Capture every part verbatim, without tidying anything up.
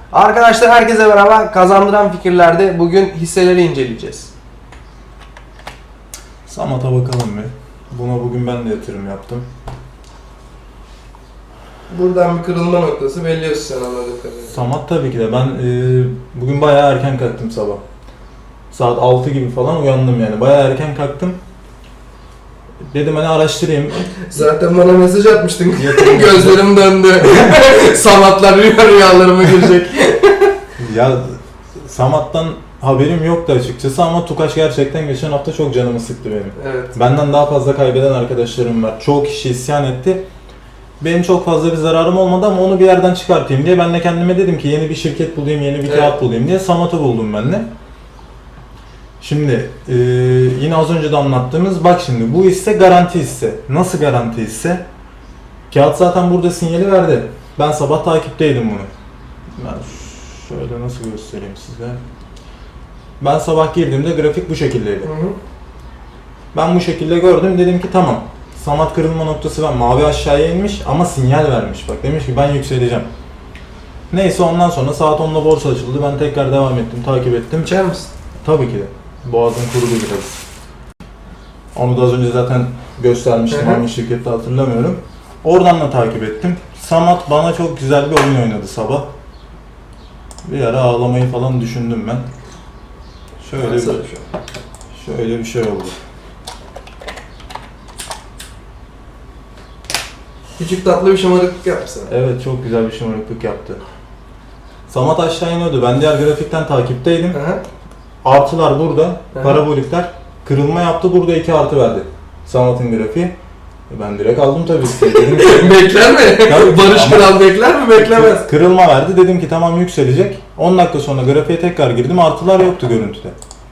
Arkadaşlar herkese merhaba. Kazandıran fikirlerde bugün hisseleri inceleyeceğiz. Samat'a bakalım bir. Buna bugün ben de yatırım yaptım. Buradan bir kırılma noktası belliyorsun sen anladığım kadarıyla. Samat tabii ki de. Ben e, bugün bayağı erken kalktım sabah. Saat altı gibi falan uyandım yani. Bayağı erken kalktım. Dedim hani araştırayım. Zaten bana mesaj atmıştın. Gözlerim döndü. Samatlar rüya rüyalarıma girecek. Ya Samat'tan haberim yoktu açıkçası ama Tukaş gerçekten geçen hafta çok canımı sıktı benim. Evet. Benden daha fazla kaybeden arkadaşlarım var. Çoğu kişi isyan etti. Benim çok fazla bir zararım olmadı ama onu bir yerden çıkartayım diye ben de kendime dedim ki yeni bir şirket bulayım, yeni bir Evet. kağıt bulayım diye Samat'ı buldum ben de. Şimdi e, yine az önce de anlattığımız bak şimdi bu hisse garanti hisse. Nasıl garanti hisse? Kağıt zaten burada sinyali verdi. Ben sabah takipteydim bunu. Ben şöyle nasıl göstereyim size. Ben sabah girdiğimde grafik bu şekildeydi. Hı hı. Ben bu şekilde gördüm dedim ki tamam. Samat kırılma noktası var. Mavi aşağıya inmiş ama sinyal vermiş. Bak demiş ki ben yükseleceğim. Neyse ondan sonra saat onda borsa açıldı. Ben tekrar devam ettim, takip ettim. İçer misin? Tabii ki de. Boğazım kurudu biraz. Onu da az önce zaten göstermiştim. Hı hı. Hangi şirkette hatırlamıyorum. Oradan da takip ettim. Samat bana çok güzel bir oyun oynadı sabah. Bir ara ağlamayı falan düşündüm ben. Şöyle bir, şöyle bir şey oldu. Küçük tatlı bir şımarıklık yapsın. Evet çok güzel bir şımarıklık yaptı. Samat aşağı iniyordu. Ben diğer grafikten takipteydim. Hı hı. Artılar burada. Hı. Parabolikler. Kırılma yaptı. Burada iki artı verdi. Samat'ın grafiği. Ben direkt aldım tabii ki. Dedim ki, Bekler mi? Tabii, Barış ama- Kral bekler mi? Beklemez. Kırılma verdi. Dedim ki tamam yükselecek. on dakika sonra grafiğe tekrar girdim. Artılar yoktu görüntüde.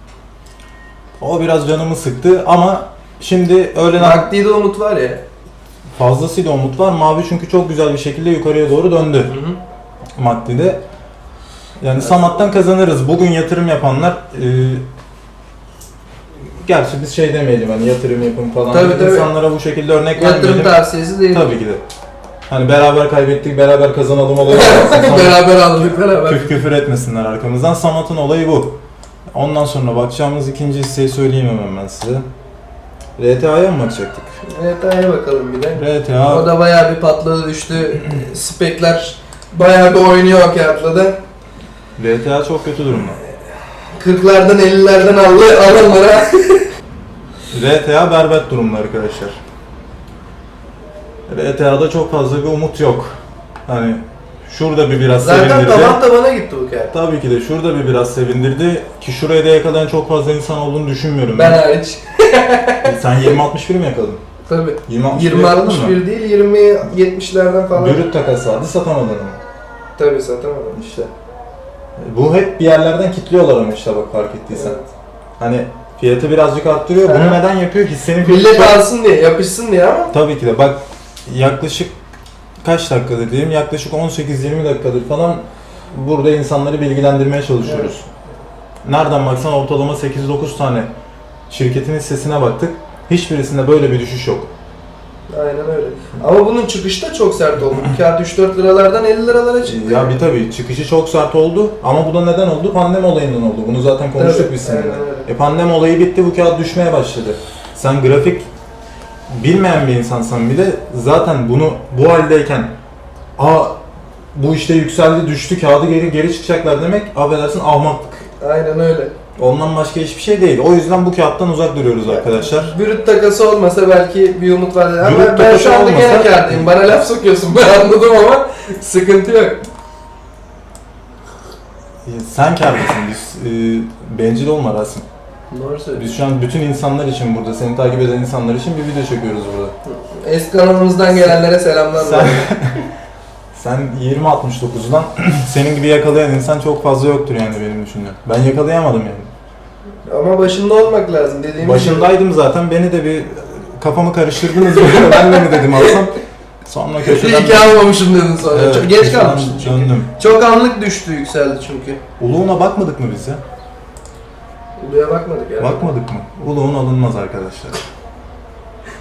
O biraz canımı sıktı ama şimdi öğlen Nakdi'de umut var ya. fazlasıyla umut var. Mavi çünkü çok güzel bir şekilde yukarıya doğru döndü. Hı hı. Makti'de. Yani Samat'tan kazanırız. Bugün yatırım yapanlar e, gerçi biz şey demeyelim hani yatırım yapın falan. Tabii, tabii. İnsanlara bu şekilde örnek Yatırım vermeyelim. tavsiyesi değil. Tabii ki de. Hani beraber kaybettik, beraber kazanalım olayı. Sonra Beraber aldık beraber. küf küfür etmesinler arkamızdan. Samat'ın olayı bu. Ondan sonra bakacağımız ikinci hisseyi söyleyeyim hemen ben size. R T A'ya mı bakacaktık? Evet A'ya bakalım bir de. R T A. O da bayağı bir patladı düştü. Spekler bayağı bir oynuyor o kağıtla da. R T A çok kötü durumda. kırklardan ellilerden aldı alanlara. R T A berbat durumda arkadaşlar. R T A'da çok fazla bir umut yok. Hani şurada bir biraz Zaten sevindirdi. taban tabana gitti bu kağıt. Tabii ki de şurada bir biraz sevindirdi ki şuraya da yakalayan çok fazla insan olduğunu düşünmüyorum Ben ben. hariç. Sen yirmi altmış bir mi yakaladın? Tabii. yirmi altmış bir yirmi yakaladın altmış mı? bir değil yirmi yetmişlerden falan. Bürüt takas vardı satamadın ama. Tabii satamadım. İşte. Bu hep bir yerlerden kilitliyorlar ama işte bak fark ettiysen. Evet. Hani fiyatı birazcık arttırıyor. Bunu Aha. neden yapıyor? Hissenin Millet fiyatı- alsın diye, yapışsın diye ama. Tabii ki de bak yaklaşık kaç dakikadır diyeyim yaklaşık on sekiz yirmi dakikadır falan burada insanları bilgilendirmeye çalışıyoruz. Nereden baksan ortalama sekiz dokuz tane şirketin hissesine baktık. Hiçbirisinde böyle bir düşüş yok. Aynen öyle. Ama bunun çıkışı da çok sert oldu. Bu kağıt üç dört liralardan elli liralara çıktı. Ya bir tabii çıkışı çok sert oldu ama bu da neden oldu? Pandemi olayından oldu. Bunu zaten konuştuk Tabii, biz seninle. aynen öyle. E pandemi olayı bitti bu kağıt düşmeye başladı. Sen grafik bilmeyen bir insansan bir de zaten bunu bu haldeyken aa bu işte yükseldi düştü kağıdı geri geri çıkacaklar demek affedersin ahmaklık. Aynen öyle. Ondan başka hiçbir şey değil. O yüzden bu kağıttan uzak duruyoruz arkadaşlar. Brüt takası olmasa belki bir umut vardı. Ama Brüt ben takası şu anda gene olmasa- kârdayım. Bana laf sokuyorsun ben anladım ama sıkıntı yok. Sen kârdasın. Biz e, bencil olma Rasim. Doğru söylüyorsun. Biz şu an bütün insanlar için burada, seni takip eden insanlar için bir video çekiyoruz burada. Eski kanalımızdan gelenlere selamlar. Sen sen yirmi altmış dokuzdan senin gibi yakalayan insan çok fazla yoktur yani benim düşündüğüm. Ben yakalayamadım yani. Ama başında olmak lazım dediğimiz Başındaydım zaten beni de bir kafamı karıştırdınız böyle ben de mi dedim alsam. Sonra gibi. köşeden... İyi ki almamışım dedin sonra. Evet, Çok geç köşeden kalmıştın çünkü. döndüm. Çok anlık düştü yükseldi çünkü. Uluğuna bakmadık mı biz ya? Uluya bakmadık yani. Bakmadık mı? Uluğun alınmaz arkadaşlar.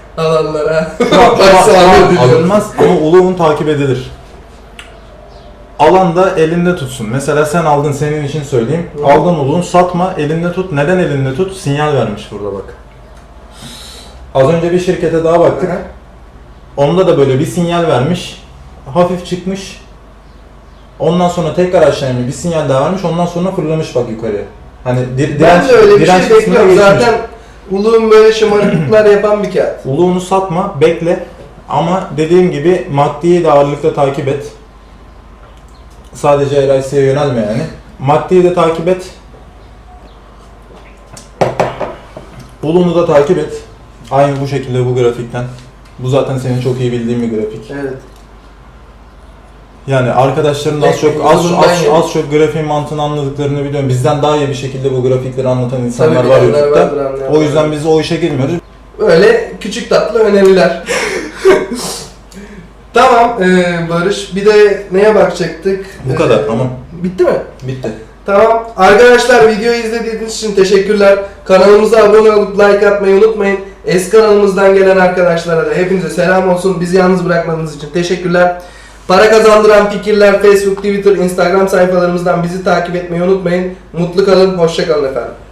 Alanlara. Şu an- şu an- Bak şu an sağlığı diliyorum. alınmaz ama uluğun takip edilir. alan da elinde tutsun. Mesela sen aldın, senin için söyleyeyim. Hı. Aldın uluğun, satma, elinde tut. Neden elinde tut? Sinyal vermiş burada bak. Az önce bir şirkete daha baktık. Hı hı. Onda da böyle bir sinyal vermiş. Hafif çıkmış. Ondan sonra tekrar aşağı inmiş. Bir sinyal daha vermiş. Ondan sonra fırlamış bak yukarıya. Hani dir, Ben direnç, de öyle bir direnç şey kısmına bekliyorum. geçmiş. Zaten uluğun böyle şımarıklıklar yapan bir kağıt. Uluğunu satma, bekle. Ama dediğim gibi maddiyi de ağırlıkla takip et. Sadece L I C'ye yönelme yani. Maddiyi de takip et. Uluğunu da takip et. Aynı bu şekilde bu grafikten. Bu zaten senin çok iyi bildiğin bir grafik. Evet. Yani arkadaşların az çok az, Uzundan az, yani. az çok grafiğin mantığını anladıklarını biliyorum. Bizden daha iyi bir şekilde bu grafikleri anlatan insanlar Tabii var bilenler vardır, YouTube'da. anlayan O yüzden vardır. biz o işe girmiyoruz. Öyle küçük tatlı öneriler. Tamam ee, Barış, bir de neye bakacaktık? Bu kadar, tamam. Bitti mi? Bitti. Tamam. Arkadaşlar videoyu izlediğiniz için teşekkürler. Kanalımıza abone olup like atmayı unutmayın. Eski kanalımızdan gelen arkadaşlara da hepinize selam olsun. Bizi yalnız bırakmadığınız için teşekkürler. Para kazandıran fikirler Facebook, Twitter, Instagram sayfalarımızdan bizi takip etmeyi unutmayın. Mutlu kalın, hoşça kalın efendim.